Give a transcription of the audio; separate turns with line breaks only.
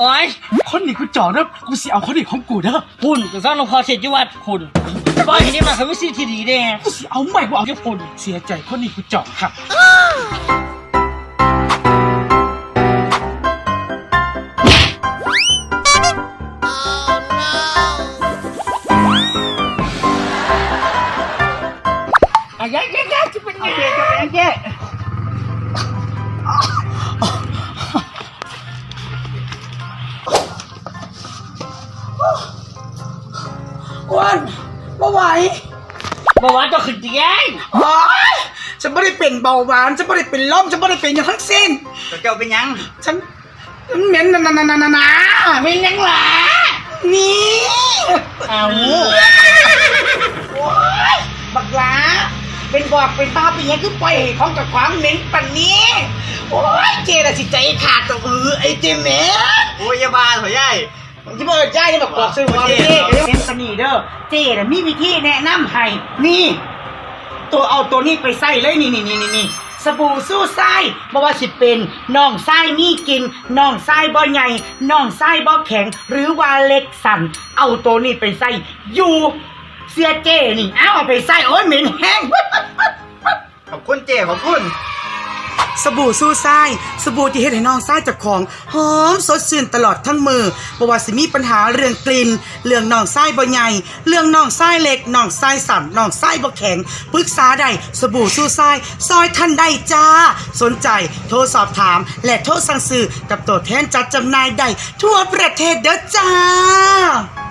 อ้ย
คนนี้กูจ่อเด้อกูสิเอาคนนี้ของกูเด้อ
คุณก็สร้างหลวงพ่อเสด็จวัดคุณปล่อยให้นี่มาคือวิธีที่ดีแน่
กูสิเอาใหม่กูเอาแค่คนเสียใจคนนี้กูจ่อครับ
ยัยจะเป็นไงเจ๊
วันบ่ไหว
เมื่อวานก็ขึ้นเตียง
ฉันไม่ได้เป็นเบาหวานฉันไม่ได้เป็นลมฉันไม่ได้เป็นอย่างทั้งสิ้น
เจ้าเป็นยัง
ฉันเหม็นนะ
เป็นยังล่ะ
นี่
เอา
บักหลาเป็นบอกเป็นบ้าเป็นยังคือปล่อยของกับความเหม็นปันนี้โอ้ยเจน่ะสิใจขาดตัวไอ้เจเหม็น
โอ้ยอย่าบ้าเถอะยาย
ที่บอกยายนี่บอกซื้อมาเจ๊เป็นสนีเด้อเจ๊น่ะมีวิธีแนะนำให้นี่ตัวเอาตัวนี้ไปใส่เลยนี่สบู่สู้ไส้บ่ว่าสิเป็นน่องไส้มีกินน่องไส้บ่ใหญ่น่องไส้บ่แข็งหรือว่าเล็กสั่นเอาตัวนี้ไปใส่อยู่เสียเจนี่เอาไปใส่โอ้ยเหม็นแห้ง
ขอบคุณเจ๊ขอบคุณ
สบู่สู้ไส้สบู่ที่เฮ็ดให้น้องไส้จากของหอมสดชื่นตลอดทั้งมือบ่ว่าสิมีปัญหาเรื่องกลิ่นเรื่องน้องไส้บ่ใหญ่เรื่องน้องไส้เล็กน้องไส้สั่นน้องไส้บ่แข็งปรึกษาได้สบู่สู้ไส้ซอยท่านได้จ้าสนใจโทรสอบถามและโทรสั่งซื้อกับตัวแทนจัดจำหน่ายได้ทั่วประเทศเด้อจ้า